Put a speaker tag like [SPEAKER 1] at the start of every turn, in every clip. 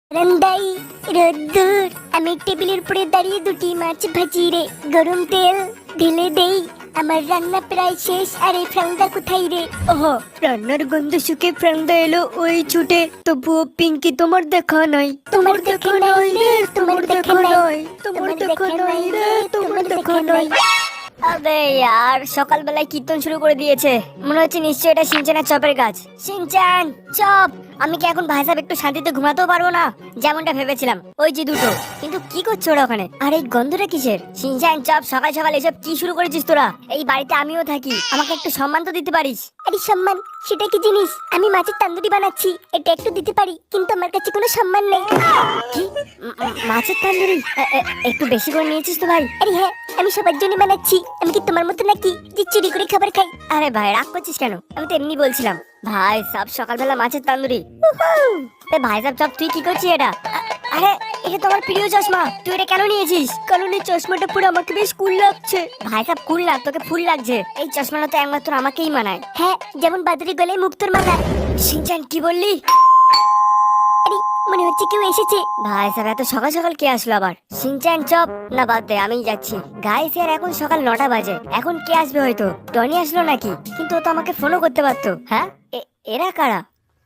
[SPEAKER 1] রন্দাই রোদ্দুর আমি টেবিলের উপরে দাঁড়িয়ে দুটি মাছ ভাজি রে গরম তেল ঢেলে দেই আমার রান্না প্রায় শেষ আর এই ফ্রাংদা কোথায় রে?
[SPEAKER 2] ওহো, রান্নার গন্ধ শুকে ফ্রাংদা এলো ওই ছুটে। তবুও পিঙ্কি তোমার দেখা নাই,
[SPEAKER 1] তোমার দেখা নাই রে, তোমার দেখা নাই,
[SPEAKER 2] তোমার দেখা নাই রে, তোমার দেখা নাই। আবে यार, সকালবেলায় কীর্তন শুরু করে দিয়েছে। মনে হচ্ছে নিশ্চয়ই এটা সিনচানের চপের কাজ। সিনচান চপ, আমি কি এখন ভাই সাহেব একটু শান্তিতে ঘুমাতেও পারবো না যেমনটা ভেবেছিলাম? ওই যে দুটো, কিন্তু কি করছো ওরা ওখানে? আর এই গন্ধটা কিসের? সিনচান চপ, সকাল সকাল এসব কি শুরু করেছিস তোরা? এই বাড়িতে আমিও থাকি, আমাকে একটু সম্মান তো দিতে পারিস।
[SPEAKER 1] আরে সম্মান সেটা কি জিনিস? আমি মাছের তান্দুরি বানাচ্ছি, এটা একটু দিতে পারি, কিন্তু আমার কাছে কোনো সম্মান নেই।
[SPEAKER 2] কি? মাছের তান্দুরি একটু বেশি করে নিয়েছিস তো ভাই?
[SPEAKER 1] আরে হ্যাঁ, আমি সবার জন্য বানাচ্ছি। আমি কি তোমার মতো নাকি যে চুরি করে খাবার খাই?
[SPEAKER 2] আরে ভাই রাগ করছিস কেন? আমি তো এমনি বলছিলাম। ভাই সব সকালবেলা মাছের তান্দুরি। ভাই সাহেব চপ, তুই কি করছিস এটা? আরে এটা তোমার প্রিয় চশমা, তুই এটা কেন নিয়েছিস? কারণ এই চশমাটা পুরো আমাকে বেশ কুল লাগছে। ভাই সাহেব কুল না, তোকে ফুল লাগছে। এই চশমাটা তো একমাত্র আমাকেই মানায়।
[SPEAKER 1] হ্যাঁ, যেমন বাদুড়ি গলায় মুক্তোর মালা।
[SPEAKER 2] সিনচান কি বললি?
[SPEAKER 1] আরে মনে হচ্ছে কেউ এসেছে।
[SPEAKER 2] ভাই সাহেব এত সকাল সকাল কে আসলো আবার? সিনচান চপ না, বাদ দে, আমি যাচ্ছি। গাইস ইয়ার এখন সকাল 9টা বাজে, এখন কে আসবে? হয়তো টনি আসলো নাকি? কিন্তু ও তো আমাকে ফোনও করতে পারতো। হ্যাঁ, এরা কারা?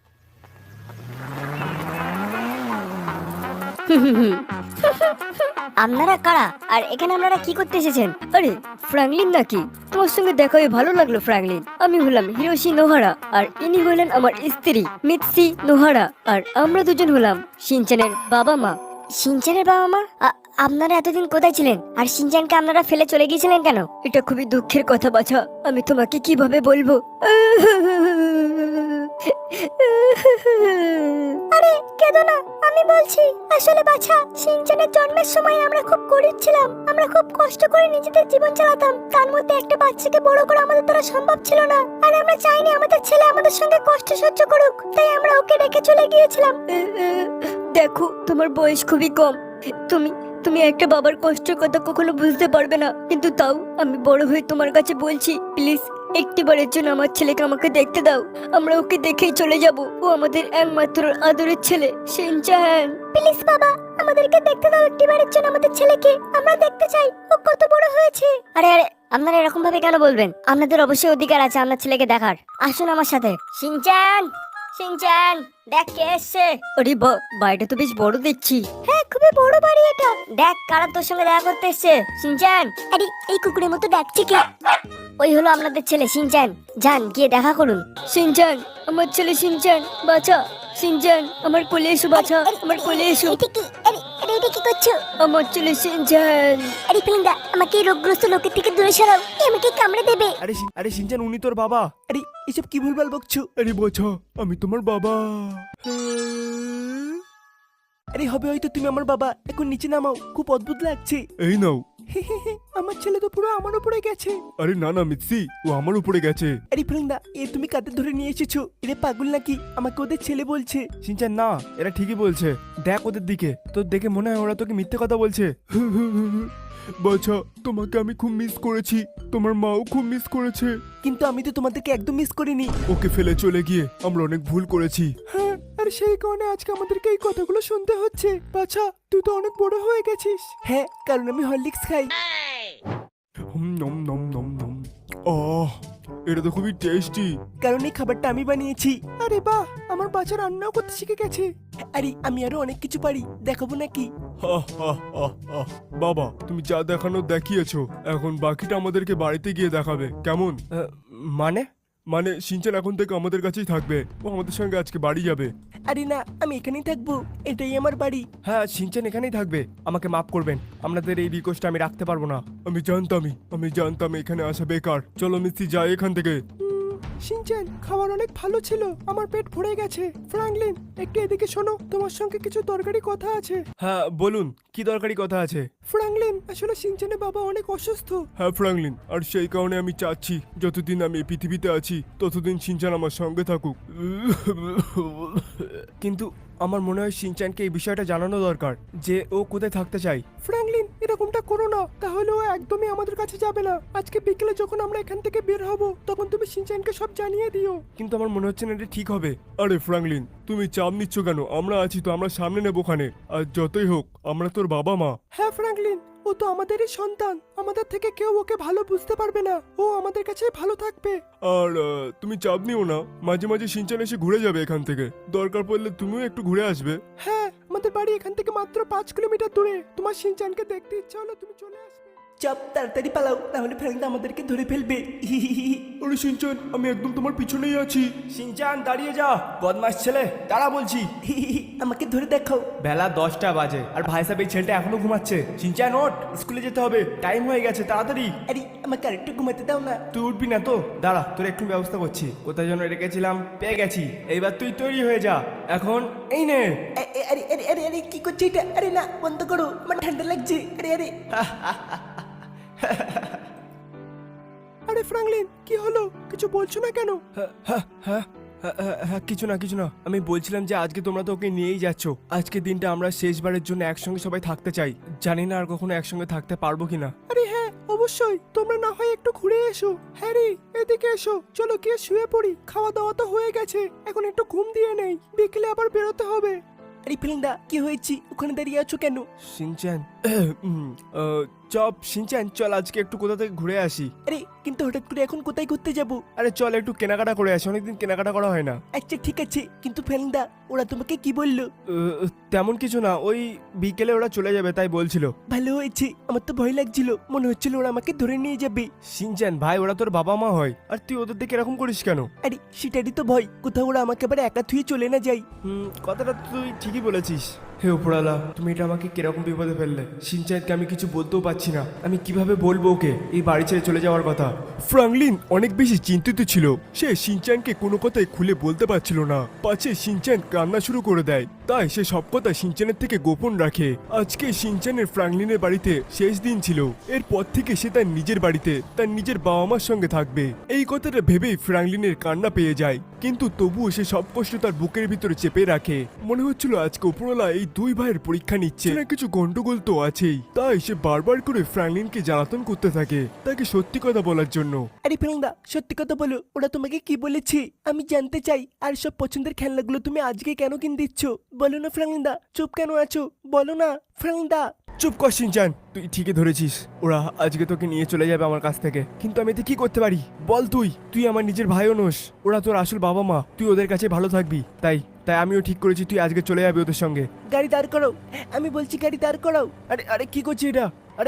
[SPEAKER 2] আপনারা কারা আর এখানে আপনারা কি করতে এসেছেন? আরে ফ্র্যাঙ্কলিন নাকি? তোমার সঙ্গে দেখা হয়ে ভালো লাগলো ফ্র্যাঙ্কলিন। আমি হলাম হিরোশি নোহারা, আর ইনি হলেন আমার স্ত্রী মিৎসি নোহারা, আর আমরা দুজন হলাম শিনচানের বাবা মা। শিনচানের বাবা মা? আপনারা এতদিন কোথায় ছিলেন? আর শিনচানকে আপনারা ফেলে চলে গিয়েছিলেন কেন? এটা খুবই দুঃখের কথা বাছা, আমি তোমাকে কিভাবে বলবো?
[SPEAKER 1] আরে কেঁদো না, আমি বলছি। আসলে বাছা, শিনচানের জন্মের সময় আমরা খুব গরিব ছিলাম। আমরা খুব কষ্ট করে নিজেদের জীবন চালাতাম। তার মধ্যে একটা বাচ্চাকে বড় করা আমাদের দ্বারা সম্ভব ছিল না। আর আমরা চাইনি আমাদের ছেলে আমাদের সঙ্গে কষ্ট সহ্য করুক, তাই আমরা ওকে রেখে চলে গিয়েছিলাম।
[SPEAKER 2] দেখো, তোমার বয়স খুবই কম। তুমি তুমি একটা বাবার কষ্টের কথা কখনো বুঝতে পারবে না, কিন্তু তাও আমি বড় হয়ে তোমার কাছে বলছি, প্লিজ একটিবারের জন্য আমার ছেলেকে আমাকে দেখতে দাও। আমরা ওকে দেখেই চলে যাব। ও আমাদের একমাত্র আদরের ছেলে শিনচান।
[SPEAKER 1] প্লিজ বাবা, আমাদেরকে দেখতে দাও একটিবারের জন্য আমাদের ছেলেকে। আমরা দেখতে চাই ও কত বড় হয়েছে।
[SPEAKER 2] আরে আরে, আপনারা এরকম ভাবে কেন বলবেন? আপনাদের অবশ্যই অধিকার আছে আপনার ছেলেকে দেখার। আসুন আমার সাথে। শিনচান, শিনচান, দেখ কে এসছে। আরে বাড়িটা তো বেশ বড় দেখছি।
[SPEAKER 1] হ্যাঁ, খুবই বড় বাড়ি এটা।
[SPEAKER 2] দেখ কারা তোর সঙ্গে দেখা করতে এসছে। শিনচান,
[SPEAKER 1] আরে এই কুকুরের মতো ডাকছে কে?
[SPEAKER 2] ওই হলো আপনাদের ছেলে শিনচান। যান গিয়ে দেখা করুন। শিনচান, আমার ছেলে শিনচান, বাছা। শিনচান, আমার কোলে এসো বাছা, আমার কোলে এসো।
[SPEAKER 1] এটা কি? আরে আরে, এটা কি করছো?
[SPEAKER 2] আমার ছেলে শিনচান।
[SPEAKER 1] আরে ফ্রেন্ডা, আমাকে এই রোগগ্রস্ত লোকের থেকে দূরে সরাও, এ আমাকে কামড়ে দেবে।
[SPEAKER 3] আরে শিনচান, উনি তোর বাবা। আরে এসব কি ভুলভাল বকছো? আরে বোঝো, আমি তোমার বাবা। আরে হবে হয়তো তুমি আমার বাবা। এখন নিচে নামাও, খুব অদ্ভুত লাগছে। এই নাও। আমার ছেলে তো পুরো আমার উপরে গেছে। আরে না না মিৎসি, ও আমার উপরে গেছে। আরে ফ্রেন্ডা, এ তুমি কাদের ধরে নিয়ে এসেছো? এরা পাগল নাকি? আমাকে ওদের ছেলে বলছে। শিনচান না, এরা ঠিকই বলছে। দেখ ওদের দিকে, তোর দেখে মনে হয় ওরা তোকে মিথ্যে কথা বলছে। বাছা, তোমাকে আমি খুব মিস করেছি, তোমার মাও খুব মিস করেছে, কিন্তু আমি তো তোমাদেরকে একদম মিস করিনি। ওকে ফেলে চলে গিয়ে আমরা অনেক ভুল করেছি। হ্যাঁ, আর সেই কারণে আজকে আমাদেরকে এই কথাগুলো শুনতে হচ্ছে। বাছা, তুই তো অনেক বড় হয়ে গেছিস। হ্যাঁ, কারণ আমি হরলিক্স খাই। নম নম নম নম। ওহ, এটা তো খুবই টেস্টি। কারণ এই খাবারটা আমি বানিয়েছি। আরে বাহ, আমার বাচ্চা রান্নাও করতে শিখে গেছে। আরে আমি আরো অনেক কিছু পারি, দেখাবো নাকি? বাবা, তুমি যা দেখানো দেখিয়েছো, এখন বাকিটা আমাদেরকে বাড়িতে গিয়ে দেখাবে, কেমন? মানে মানে শিনচান এখন থেকে আমাদের কাছেই থাকবে। ও আমাদের সঙ্গে আজকে বাড়ি যাবে। আরে না, আমি এখানেই থাকবো, এটাই আমার বাড়ি। হ্যাঁ, শিনচান এখানেই থাকবে। আমাকে মাফ করবেন, আপনাদের এই রিকোয়েস্টটা আমি রাখতে পারবো না। আমি জানতাম এখানে আসা বেকার। চলো মিস্ত্রি, যাই এখান থেকে। শিনচান, খাবার অনেক ভালো ছিল, আমার পেট ভরে গেছে। ফ্র্যাঙ্কলিন, একটু এদিকে শোনো, তোমার সঙ্গে কিছু দরকারি কথা আছে। হ্যাঁ বলুন, কি দরকারি কথা আছে? ফ্র্যাঙ্কলিন, আসলে শিনচানের বাবা অনেক অসুস্থ। হ্যাঁ ফ্র্যাঙ্কলিন, আর সেই কারণে আমি চাচ্ছি যতদিন আমি এই পৃথিবীতে আছি ততদিন শিনচান আমার সঙ্গে থাকুক। কিন্তু আমার মনে হয় শিনচানকে এই বিষয়টা জানানো দরকার যে ও কোথায় থাকতে চায়। ফ্র্যাঙ্কলিন, এরা এরকমটা করো না, তাহলে ও একদমই আমাদের কাছে যাবে না। আজকে বিকেলে যখন আমরা এখান থেকে বের হব তখন তুমি শিনচানকে সব জানিয়ে দিও। কিন্তু আমার মনে হচ্ছে না এটা ঠিক হবে। আরে ফ্র্যাঙ্কলিন, তুমি চাপ নিচ্ছ কেন? আমরা আছি তো, আমরা সামনে নেব ওখানে। আর যতই হোক আমরা তোর বাবা মা। হ্যাঁ ফ্র্যাঙ্কলিন, ও তো আমাদেরই সন্তান, আমাদের থেকে কেউ ওকে ভালো বুঝতে পারবে না, ও আমাদের কাছেই ভালো থাকবে। আর তুমি চাপ নিও না, মাঝে মাঝে শিনচান এসে ঘুরে যাবে এখান থেকে, দরকার পড়লে তুমিও একটু ঘুরে আসবে। হ্যাঁ, আমাদের বাড়ি এখান থেকে মাত্র 5 কিলোমিটার দূরে, তোমার শিনচানকে দেখতে ইচ্ছা হলো তুমি চলে আসবে। চাপ, তাড়াতাড়ি পালাও, তাহলে ফ্র্যাঙ্কদা আমাদেরকে ধরে ফেলবে। আরে শিনচান, আমি একদম তোমার পিছনেই আছি। শিনচান দাঁড়িয়ে যা, বদমাশ ছেলে, দাঁড়া বলছি। আমাকে ধরে দেখাও। বেলা 10টা বাজে আর ভাই সাহেব এই ছেলেটা এখনো ঘুমাচ্ছে। শিনচান ওঠ, স্কুলে যেতে হবে, টাইম হয়ে গেছে, তাড়াতাড়ি। আরে আমাকে আরেকটু ঘুমাতে দাও না। তুই উঠবি না তো? দাঁড়া, তোর একটু ব্যবস্থা করছি। কোথায় যেন রেখেছিলাম, পেয়ে গেছি। এইবার তুই তৈরি হয়ে যা, এখন এই নে। আরে আরে আরে আরে কি করছিস এটা? আরে না, বন্ধ করো, আমার ঠান্ডা লাগছে। আরে আরে আরে ফ্র্যাঙ্কলিন, কি হলো? কিছু বলছো না কেন? কিছু না কিছু না, আমি বলছিলাম যে আজকে তোমরা তো ওকে নিয়েই যাচ্ছ। আজকে দিনটা আমরা শেষবারের জন্য একসঙ্গে সবাই থাকতে চাই। জানি না আর কখনো একসঙ্গে থাকতে পারবো কিনা। আরে হ্যাঁ, অবশ্যই, তোমরা না হয় একটু ঘুরে এসো। হ্যারি, এদিকে এসো, চলো গিয়ে শুয়ে পড়ি। খাওয়া দাওয়া তো হয়ে গেছে, এখন একটু ঘুম দিয়ে নেই, বিকেলে আবার বেরোতে হবে। আরে ফিলিংদা, কি হয়েছে? ওখানে দাঁড়িয়ে আছো কেন? শিনচান, চপ শিনচান, চল আজকে একটু কোথা থেকে ঘুরে আসি। আরে কিন্তু হঠাৎ করে এখন কোথায় ঘুরতে যাব? আরে চল একটু কেনাকাটা করে আসি, অনেকদিন কেনাকাটা করা হয় না। আচ্ছা ঠিক আছে, কিন্তু ফেলিংদা, ওরা তোমাকে কি বললো? তেমন কিছু না, ওই বিকেলে ওরা চলে যাবে তাই বলছিল। ভালো হয়েছে, আমার তো ভয় লাগছিল, মনে হচ্ছিল ওরা আমাকে ধরে নিয়ে যাবে। শিনচান ভাই, ওরা তোর বাবা মা হয়, আর তুই ওদের দিকে এরকম করিস কেন? আরে সেটারই তো ভয়, কোথাও ওরা আমাকে আবার একা থুয়ে চলে না যায়। কথাটা তুই ঠিকই বলেছিস। হে উপরালা, তুমি এটা আমাকে কিরকম বিপদে ফেললে। শিনচানকে আমি কিছু বলতেও পারছি না, আমি কিভাবে বলবো ওকে এই বাড়ি ছেড়ে চলে যাওয়ার কথা। ফ্র্যাঙ্কলিন অনেক বেশি চিন্তিত ছিল, সে শিনচানকে কোনো কথাই খুলে বলতে পারছিল না, পাছে শিনচান কান্না শুরু করে দেয়, তাই সে সব কথা শিনচানের থেকে গোপন রাখে। আজকে শিনচানের ফ্র্যাঙ্কলিনের বাড়িতে শেষ দিন ছিল, এরপর থেকে সে তার নিজের বাড়িতে তার নিজের বাবা মার সঙ্গে থাকবে। এই কথাটা ভেবেই ফ্র্যাঙ্কলিনের কান্না পেয়ে যায়, কিন্তু তবুও সে সব কষ্ট তার বুকের ভিতরে চেপে রাখে। মনে হচ্ছিল আজকে উপরওয়ালা এই দুই ভাইয়ের পরীক্ষা নিচ্ছে, না কিছু গন্ডগোল তো আছেই, তাই সে বারবার করে ফ্র্যাঙ্কলিনকে জ্বালাতন করতে থাকে তাকে সত্যি কথা বলার জন্য। আরে ফ্র্যাঙ্কদা, সত্যি কথা বলো, ওরা তোমাকে কি বলেছে? আমি জানতে চাই। আর সব পছন্দের খেলনাগুলো তুমি আজকে কেন কিনে দিচ্ছ? বলো না ফ্র্যাঙ্কদা, চুপ কেন আছো? বলো না ফ্র্যাঙ্কদা। চুপ কর শিনচান, তুই ঠিকই ধরেছিস, ওরা আজকে তোকে নিয়ে চলে যাবে আমার কাছ থেকে, কিন্তু আমি এতে কি করতে পারি বল? তুই আমার নিজের ভাইও নোস, ওরা তোর আসল বাবা মা, তুই ওদের কাছে ভালো থাকবি, তাই আমিও ঠিক করেছি তুই আজকে চলে যাবি ওদের সঙ্গে। গাড়ি দাঁড় করাও, আমি বলছি গাড়ি দাঁড় করাও। আরে আরে কি করছি এটা? আরে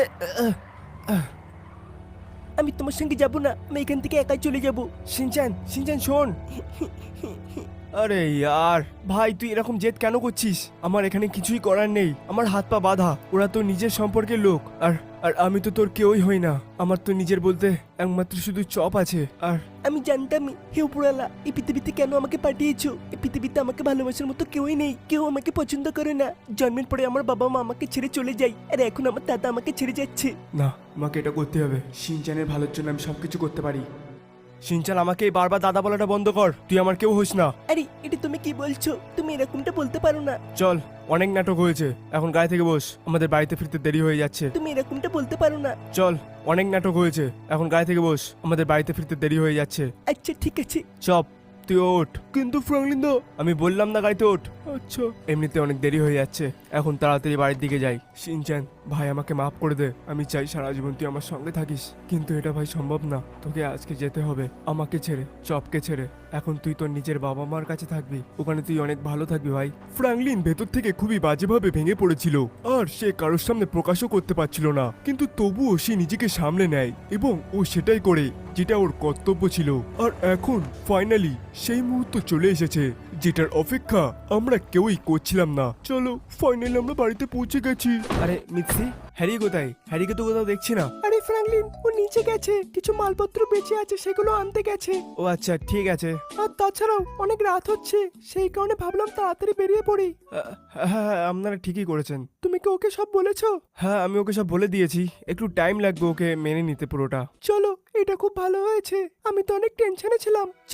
[SPEAKER 3] আমি তোমার সঙ্গে যাব না, আমি এখান থেকে একাই চলে যাব। শিনচান শোন। আরে ইয়ার ভাই, তুই এরকম জেদ কেন করছিস? আমার এখানে কিছুই করার নেই, আমার হাত পা বাঁধা, ওরা তো নিজের সম্পর্কের লোক, আর আমি তো তোর কেউই হই না, আমার তো নিজের বলতে একমাত্র শুধু চপ আছে। আর আমি জানতামই, হে উপরওয়ালা, এই পৃথিবীতে কেন আমাকে পাঠিয়েছো? এই পৃথিবীতে আমাকে ভালোবাসার মতো কেউই নেই, কেউ আমাকে পছন্দ করে না। জন্মের পরে আমার বাবা মা আমাকে ছেড়ে চলে যায়, আর এখন আমার দাদা আমাকে ছেড়ে যাচ্ছে। না, আমাকে এটা করতে হবে, শিনচানের ভালোর জন্য আমি সবকিছু করতে পারি। শিনচান, আমাকে বারবার দাদা বলাটা বন্ধ কর, তুই আমার কেউ হোস না। আরে এটা তুমি কি বলছো? তুমি এরকমটা বলতে পারো না। চল, অনেক নাটক হয়েছে, এখন গাড়ি থেকে বস, আমাদের বাড়িতে ফিরতে দেরি হয়ে যাচ্ছে। তুমি এরকমটা বলতে পারো না। চল, অনেক নাটক হয়েছে, এখন গাড়ি থেকে বস, আমাদের বাড়িতে ফিরতে দেরি হয়ে যাচ্ছে। আচ্ছা ঠিক আছে, চপ তুই ওঠ। কিন্তু ফ্র্যাঙ্কলিন দা, আমি বললাম না গাড়িতে ওঠ। আচ্ছা, এমনিতে অনেক দেরি হয়ে যাচ্ছে, এখন তাড়াতাড়ি বাড়ির দিকে যাই। শিনচান ভাই, আমাকে মাফ করে দে, আমি চাই সারা জীবন তুই আমার সঙ্গে থাকিস, কিন্তু এটা ভাই সম্ভব না, তোকে আজকে যেতে হবে আমাকে ছেড়ে, চপকে ছেড়ে। এখন তুই তোর নিজের বাবা মার কাছে থাকবি, ওখানে তুই অনেক ভালো থাকবি ভাই। ফ্র্যাঙ্কলিন ভেতর থেকে খুবই বাজেভাবে ভেঙে পড়েছিল, আর সে কারোর সামনে প্রকাশও করতে পারছিল না, কিন্তু তবুও সে নিজেকে সামলে নেয় এবং ও সেটাই করে যেটা ওর কর্তব্য ছিল। আর এখন ফাইনালি সেই মুহূর্ত চলে এসেছে যেটার অপেক্ষা আমরা কেউই করছিলাম না। চলো, ফাইনালি আমরা বাড়িতে পৌঁছে গেছি। আরে মিক্সি, হ্যারি কোথায়? হ্যারিকে তো কোথাও দেখছি না। আরে ফ্র্যাঙ্কলিন, ও নিচে গেছে, কিছু মালপত্র বেঁচে আছে সেগুলো আনতে গেছে। ও আচ্ছা ঠিক আছে। আর তাছাড়াও অনেক রাত হচ্ছে, সেই কারণে ভাবলাম তাড়াতাড়ি বেরিয়ে পড়ি। হ্যাঁ, আপনারা ঠিকই করেছেন। তুমি কি ওকে সব বলেছো? হ্যাঁ, আমি ওকে সব বলে দিয়েছি, একটু টাইম লাগবে ওকে মেনে নিতে পুরোটা। চলো, এটা খুব ভালো হয়েছে, আমি তো অনেক টেনশনে ছিলাম। চপ,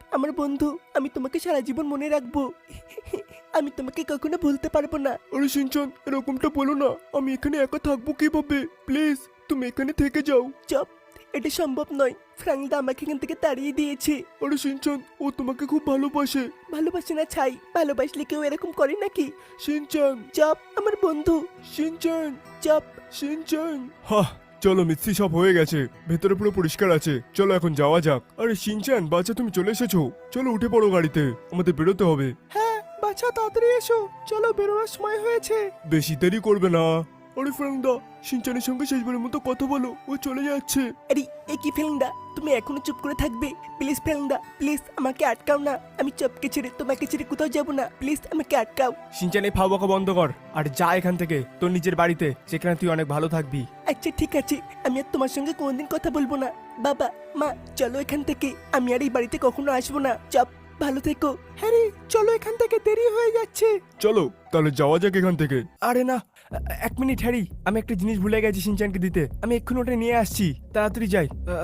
[SPEAKER 3] আমার বন্ধু, আমি তোমাকে সারা জীবন মনে রাখবো। আমি তোমাকে কখনো ভুলতে পারবো না। আরে সিনচান, এরকমটা বলো না। আমি এখানে একা থাকবো কিভাবে? প্লিজ তুমি এখানে থেকে যাও। চপ, এটা সম্ভব নয়। ফ্রাঙ্কদা আমাকে এখান থেকে তাড়িয়ে দিয়েছে। আরে সিনচান, ও তোমাকে খুব ভালোবাসে। ভালোবাসে না ছাই, ভালোবাসলে কেউ এরকম করে নাকি? সিনচান, চপ আমার বন্ধু। Shinchan, chop, Shinchan. হা, চলো মিৎসি, সব হয়ে গেছে। ভেতরে পুরো পরিষ্কার আছে, চলো এখন যাওয়া যাক। আরে সিনচান বাচ্চা, তুমি চলে এসেছো। চলো উঠে পড়ো গাড়িতে, আমাদের বেরোতে হবে। হ্যাঁ বাচ্চা, তাড়াতাড়ি এসো, চলো বেরোনোর সময় হয়েছে। বেশি দেরি করবে না। আরে ফ্রাঙ্কদা, সিনচানের সঙ্গে শেষবারের মতো কথা বলো, ও চলে যাচ্ছে। আরে এ কি ফ্রাঙ্কদা, তুমি এখনো চুপ করে থাকবে? প্লিজ ফ্রাঙ্কদা, প্লিজ আমাকে আটকাও না। আমি চপকে ছেড়ে তোমাকে ছেড়ে কোথাও যাব না। প্লিজ আমাকে আটকাও। সিনচান, এই ফাও বকা বন্ধ কর আর যা এখান থেকে তোর নিজের বাড়িতে, সেখানে তুই অনেক ভালো থাকবি। আচ্ছা ঠিক আছে, আমি আর তোমার সঙ্গে কোনোদিন কথা বলবো না। বাবা মা, চলো এখান থেকে। আমি আর এই বাড়িতে কখনো আসবো না। চপ, ভালো থেকো। হ্যাঁ রে, চলো এখান থেকে, দেরি হয়ে যাচ্ছে। চলো তাহলে যাওয়া যাক এখান থেকে। আরে না, এক মিনিট হ্যারি, আমি একটা জিনিস ভুলে গেছি সিনচানকে দিতে। আমি এক্ষুনি ওটা নিয়ে আসছি, তাড়াতাড়ি যাই।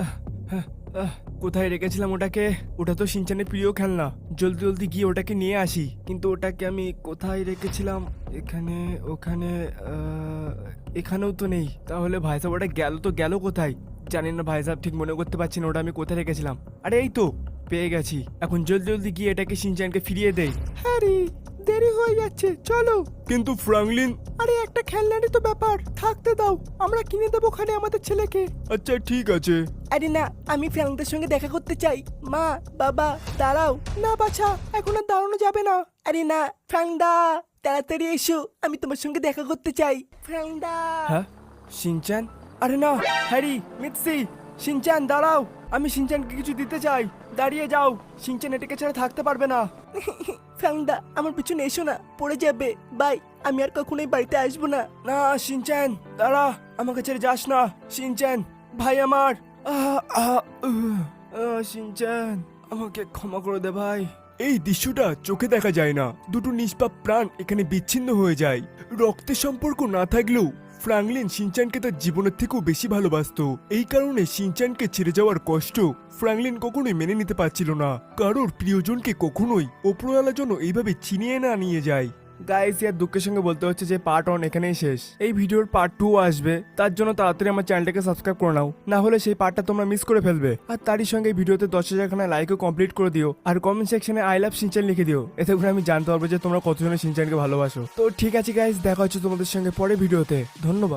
[SPEAKER 3] কোথায় রেখেছিলাম ওটাকে? ওটা তো সিনচানের প্রিয় খেলনা। জলদি জলদি গিয়ে ওটাকে নিয়ে আসি। কিন্তু ওটাকে আমি কোথায় রেখেছিলাম? এখানে, ওখানে, এখানেও তো নেই। তাহলে ভাই সাহেব ওটা গেল তো গেল কোথায়? জানি না ভাই সাহেব, ঠিক মনে করতে পারছি না ওটা আমি কোথায় রেখেছিলাম। আরে এই তো পেয়ে গেছি। এখন জলদি জলদি গিয়ে এটাকে সিনচানকে ফিরিয়ে দেই। হ্যারি, দেরি হয়ে যাচ্ছে, চলো। কিন্তু ফ্রাঙ্কলিন, আরে একটা খেলনারই তো ব্যাপার, থাকতে দাও, আমরা কিনে দেবো ওখানে আমাদের ছেলেকে। আচ্ছা ঠিক আছে। আরে না, আমি ফ্রাঙ্কদের সঙ্গে দেখা করতে চাই। মা, বাবা, দাঁড়াও না। বাছা, এখন আর দাঁড়ানো যাবে না। আরে না ফ্রাঙ্কদা, তাড়াতাড়ি এসো, আমি তোমার সঙ্গে দেখা করতে চাই। ফ্রাঙ্কদা। হ্যাঁ সিনচান? আরে না, হ্যারি, মিৎসি, সিনচান দাঁড়াও, আমি সিনচানকে কিছু দিতে চাই। দাঁড়িয়ে যাও, সিনচান এটাকে ছাড়া থাকতে পারবে না। ফ্রাঙ্কদা, আমার পিছনে এসো না, পড়ে যাবে। বাই, আমি আর কখনোই বাড়িতে আসবো না। না সিনচান, দাঁড়া, আমাকে ছেড়ে যাস না। সিনচান ভাই আমার, সিনচান আমাকে ক্ষমা করে দে ভাই। এই দৃশ্যটা চোখে দেখা যায় না। দুটো নিষ্পাপ প্রাণ এখানে বিচ্ছিন্ন হয়ে যায়। রক্তের সম্পর্ক না থাকলেও ফ্রাঙ্কলিন সিনচানকে তার জীবনের থেকেও বেশি ভালোবাসতো। এই কারণে সিনচানকে ছেড়ে যাওয়ার কষ্ট ফ্রাঙ্কলিন কখনোই মেনে নিতে পারছিল না। কারোর প্রিয়জনকে কখনোই ওপরওয়ালা যেন এইভাবে ছিনিয়ে না নিয়ে যায়। গাইস, ইয়ার দুঃখের সঙ্গে বলতে হচ্ছে যে পার্ট 1 এখানেই শেষ। এই ভিডিওর পার্ট 2 আসবে, তার জন্য তাড়াতাড়ি আমার চ্যানেলটাকে সাবস্ক্রাইব করে নাও, না হলে সেই পার্টটা তোমরা মিস করে ফেলবে। আর তারই সঙ্গে এই ভিডিওতে 10,000 খানা লাইকও কমপ্লিট করে দিও, আর কমেন্ট সেকশনে আই লাভ সিনচান লিখে দিও। এতে করে আমি জানতে পারবো যে তোমরা কতজনের সিনচানকে ভালোবাসো। তো ঠিক আছে গাইস, দেখা হচ্ছে তোমাদের সঙ্গে পরে ভিডিওতে। ধন্যবাদ।